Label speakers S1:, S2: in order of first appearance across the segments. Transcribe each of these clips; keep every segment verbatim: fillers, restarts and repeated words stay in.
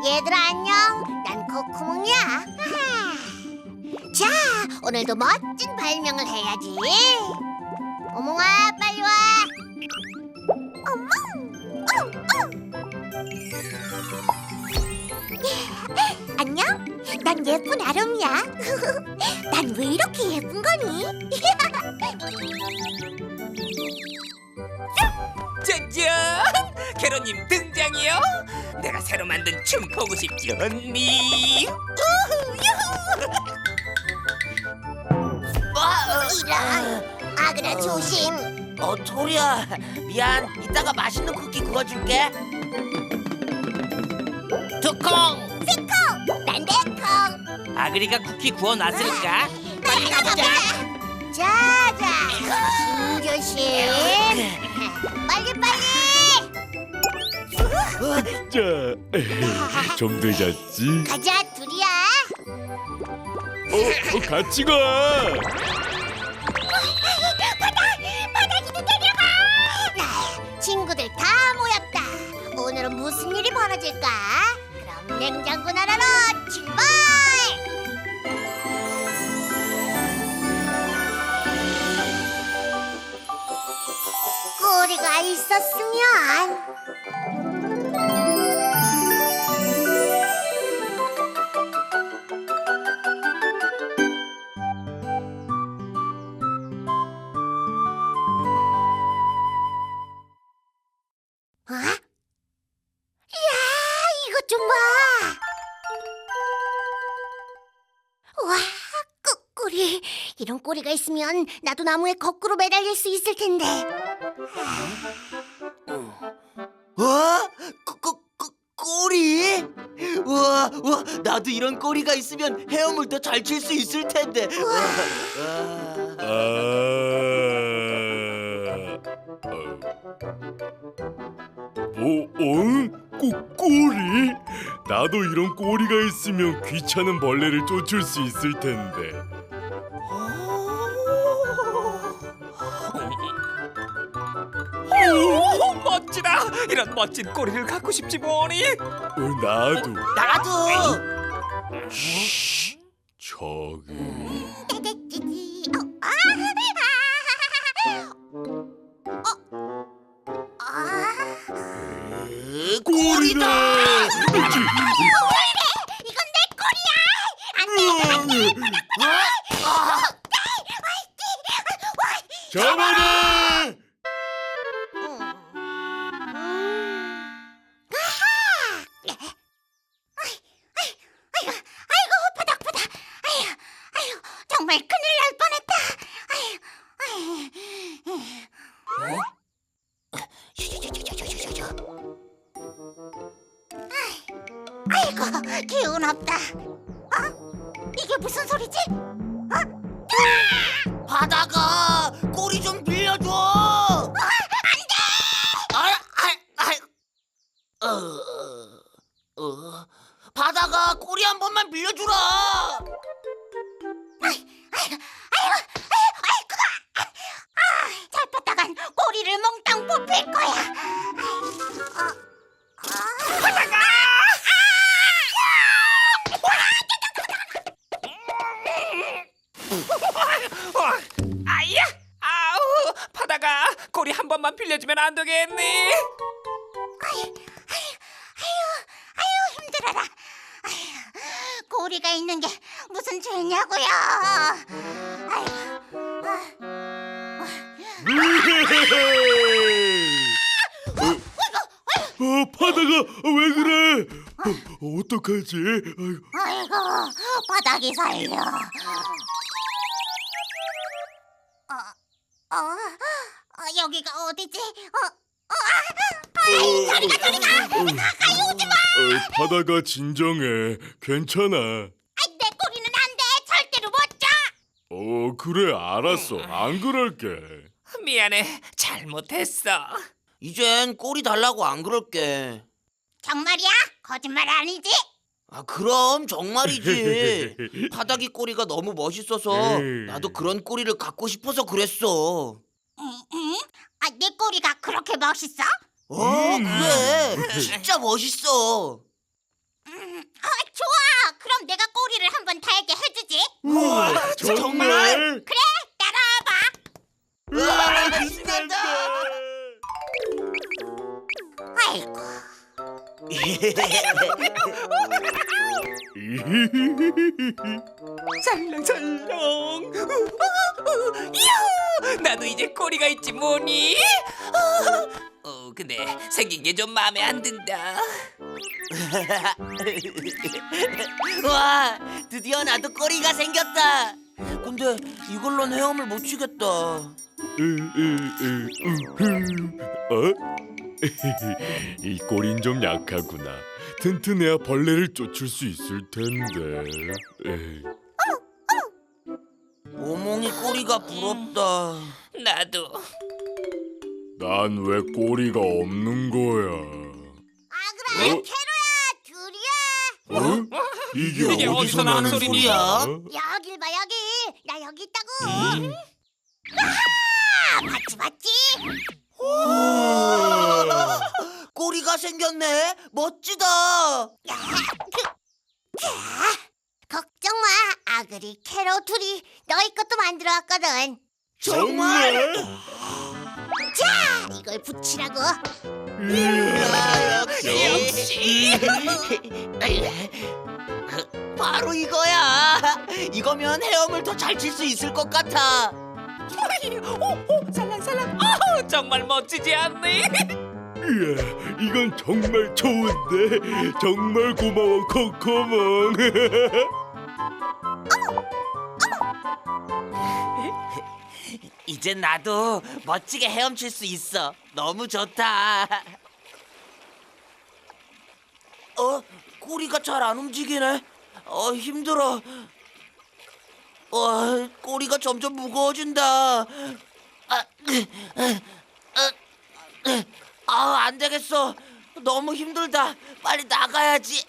S1: 얘들아 안녕. 난 코코몽이야. 자, 오늘도 멋진 발명을 해야지. 오몽아, 빨리 와. 어멍, 어, 어. 안녕. 난 예쁜 아롬이야. 난 왜 이렇게 예쁜 거니?
S2: 짜잔! 캐로님 등장이요. 내가 새로 만든 춤 보고 싶지 언니. 우후, 유후.
S1: 이런. 아그라 조심.
S3: 어, 토리야, 미안. 이따가 맛있는 쿠키 구워줄게.
S2: 두콩!
S1: 콩, 난 내콩.
S2: 아그리가 쿠키 구워놨으니까
S1: 빨리 가보자. 자자, 조심. 빨리 빨리.
S4: 자, 좀 늦었지?
S1: 가자, 둘이야.
S4: 어, 어, 같이 가.
S1: 바닥이도 데려가. 친구들 다 모였다. 오늘은 무슨 일이 벌어질까? 그럼 냉장고 나라로 출발. 꼬리가 있었으면. 어? 이야, 이것 좀 봐. 와, 꼬꼬리. 이런 꼬리가 있으면 나도 나무에 거꾸로 매달릴 수 있을 텐데.
S3: 어? 꼬, 꼬, 꼬, 꼬리? 우와, 우와, 나도 이런 꼬리가 있으면 헤엄을 더 잘 칠 수 있을 텐데. 우와.
S4: 아, 어, 어? 꼬, 꼬리? 나도 이런 꼬리가 있으면 귀찮은 벌레를 쫓을 수 있을 텐데.
S2: 오, 멋지다. 이런 멋진 꼬리를 갖고 싶지 뭐니.
S4: 어, 나도.
S3: 나도.
S4: 저기.
S3: 으, 꼬리다.
S1: 이건 내 꼬리야. 안 돼.
S4: 잡아라!
S1: 아이고, 아이고, 바닥바닥. 아유, 아유, 정말 큰일 날 뻔했다. 아유, 아유. 아이고, 기운 없다. 어? 이게 무슨 소리지? 어?
S3: 바다가 꼬리 좀 빌려줘.
S1: 어,
S3: 안돼. 아, 아, 아, 어, 어, 바다가 꼬리 한 번만 빌려주라.
S1: 아이고, 아이고, 아이고, 아, 잡혔다간 꼬리를 몽땅 뽑힐 거야. 어, 어. 바다가!
S2: 어, 아야! 아우, 바다가 꼬리 한 번만 빌려주면 안 되겠니?
S1: 아유, 아유, 힘들어라. 아유, 꼬리가 있는 게 무슨 죄냐고요. 아유,
S4: 어, 어, 바다가 왜 그래? 어, 어떡하지? 아이고.
S1: 아이고, 바닥이 살려. 어, 어, 어, 여기가 어디지? 어, 어, 아, 아이, 저리가, 저리가. 가까이 오지 마.
S4: 어, 바다가 진정해. 괜찮아.
S1: 아, 내 꼬리는 안 돼. 절대로 못 줘.
S4: 어, 그래, 알았어. 안 그럴게.
S2: 미안해, 잘못했어.
S3: 이젠 꼬리 달라고 안 그럴게.
S1: 정말이야? 거짓말 아니지?
S3: 아, 그럼 정말이지. 바닥이 꼬리가 너무 멋있어서 나도 그런 꼬리를 갖고 싶어서 그랬어.
S1: 응, 응? 아, 내 꼬리가 그렇게 멋있어?
S3: 어, 그래. 진짜 멋있어.
S1: 음, 아, 좋아. 그럼 내가 꼬리를 한번 달게 해주지.
S3: 우와, 정말?
S1: 그래, 따라와봐.
S3: 우와, 신난다.
S1: 아이고.
S2: 살랑살랑. 이야, 나도 이제 꼬리가 있지 뭐니? 어, 근데 생긴 게 좀 마음에 안 든다.
S3: 와, 드디어 나도 꼬리가 생겼다. 근데 이걸로는 헤엄을 못 치겠다.
S4: 어? 이 꼬린 좀 약하구나. 튼튼해야 벌레를 쫓을 수 있을 텐데. 에이.
S3: 오몽이 꼬리가 부럽다.
S2: 나도.
S4: 난 왜 꼬리가 없는 거야?
S1: 아, 그래.
S4: 어?
S1: 캐로야, 둘이야.
S4: 어? 이게,
S2: 이게
S4: 어디서,
S2: 어디서
S4: 나는
S2: 나는
S4: 소리야?
S1: 여길 봐, 여기. 나 여기 있다고. 아, 봤지, 봤지?
S3: 우와, 꼬리가 생겼네. 멋지다.
S1: 야, 그, 자, 걱정 마. 아그리, 캐로 둘이 너희 것도 만들어 왔거든.
S3: 정말?
S1: 자, 이걸 붙이라고.
S3: 이야,
S2: 역시.
S3: 바로 이거야. 이거면 헤엄을 더 잘 칠 수 있을 것 같아.
S2: 오, 오, 살랑살랑. 아, 정말 멋지지 않니?
S4: 이야, 이건 정말 좋은데. 정말 고마워, 코코몽.
S3: 이젠 나도 멋지게 헤엄칠 수 있어. 너무 좋다. 어? 꼬리가 잘 안 움직이네. 어, 힘들어. 어, 꼬리가 점점 무거워진다. 아, 아, 안 되겠어. 너무 힘들다. 빨리 나가야지.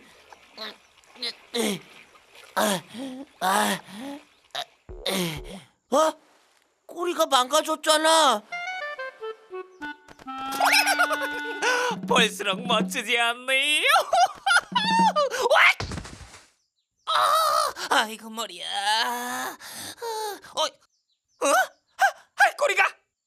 S3: 아, 아, 어? 꼬리가 망가졌잖아.
S2: 볼수록 멋지지 않니? 아, 아이고 머리야. 어, 어? 아, 꼬리가.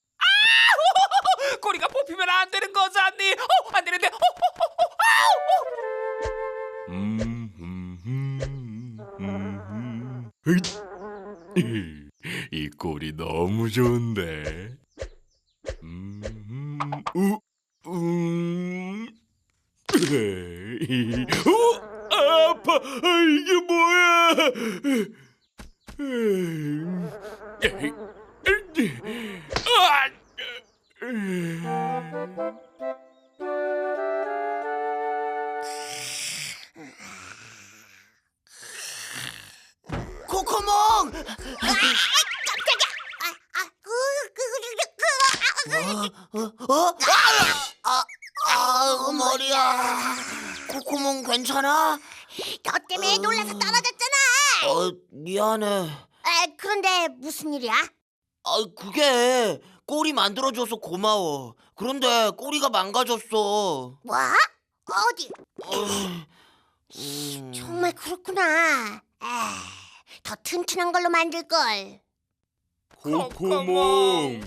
S2: 아, 꼬리가 뽑히면 안 되는 거잖니? 어, 안 되는데. 어, 어, 어, 어, 아우.
S4: 음, 음, 음, 음, 음. 으잇. 이 꼬리 너무 좋은데. 음, 음, 우, 음. 에이, 어, 아파. 아, 이게 뭐야? 음, 에이, 에이, 아, 에이.
S3: 코코몽!
S1: 깜짝이야. 아, 아, 그, 그, 그, 그, 그,
S3: 어? 어? 아, 아, 아, 머리야. 코코몽 괜찮아?
S1: 너 때문에 놀라서 떨어졌잖아.
S3: 어, 미안해.
S1: 아, 그런데 무슨 일이야?
S3: 아, 그게 꼬리 만들어줘서 고마워. 그런데 꼬리가 망가졌어.
S1: 뭐? 어디?
S3: 음.
S1: 정말 그렇구나. 아, 더 튼튼한 걸로 만들 걸.
S4: 코코몽.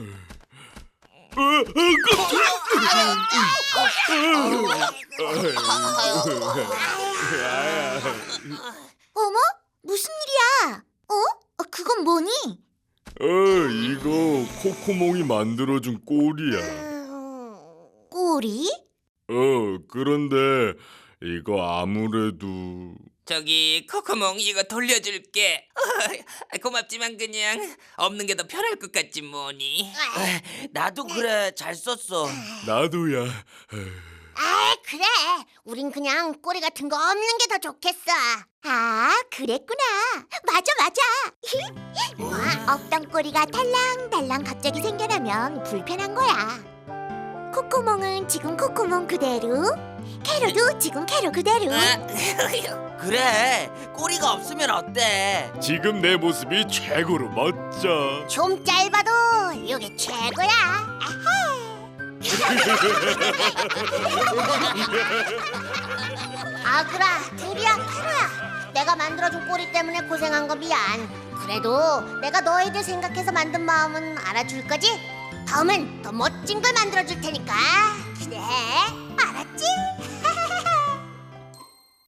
S1: 어머? 무슨 일이야? 어? 어, 그건 뭐니?
S4: 어, 이거 코코몽이 만들어준 꼬리야.
S1: 음, 꼬리?
S4: 어, 그런데 이거 아무래도
S2: 저기 코코몽 이거 돌려줄게. 어, 고맙지만 그냥 없는 게 더 편할 것 같지 뭐니.
S1: 아,
S3: 나도 그래. 잘 썼어.
S4: 나도야.
S1: 아, 그래. 우린 그냥 꼬리 같은 거 없는 게 더 좋겠어. 아, 그랬구나. 맞아, 맞아. 와, 없던 꼬리가 달랑달랑 갑자기 생겨나면 불편한 거야. 코코몽은 지금 코코몽 그대로, 캐로도 지금 캐로 그대로.
S3: 그래. 꼬리가 없으면 어때?
S4: 지금 내 모습이 최고로 멋져.
S1: 좀 짧아도 이게 최고야. 아하. 아그라, 테리야, 페로야. 내가 만들어준 꼬리 때문에 고생한 거 미안. 그래도 내가 너희들 생각해서 만든 마음은 알아줄 거지? 다음엔 더 멋진 걸 만들어줄 테니까. 그래, 알았지?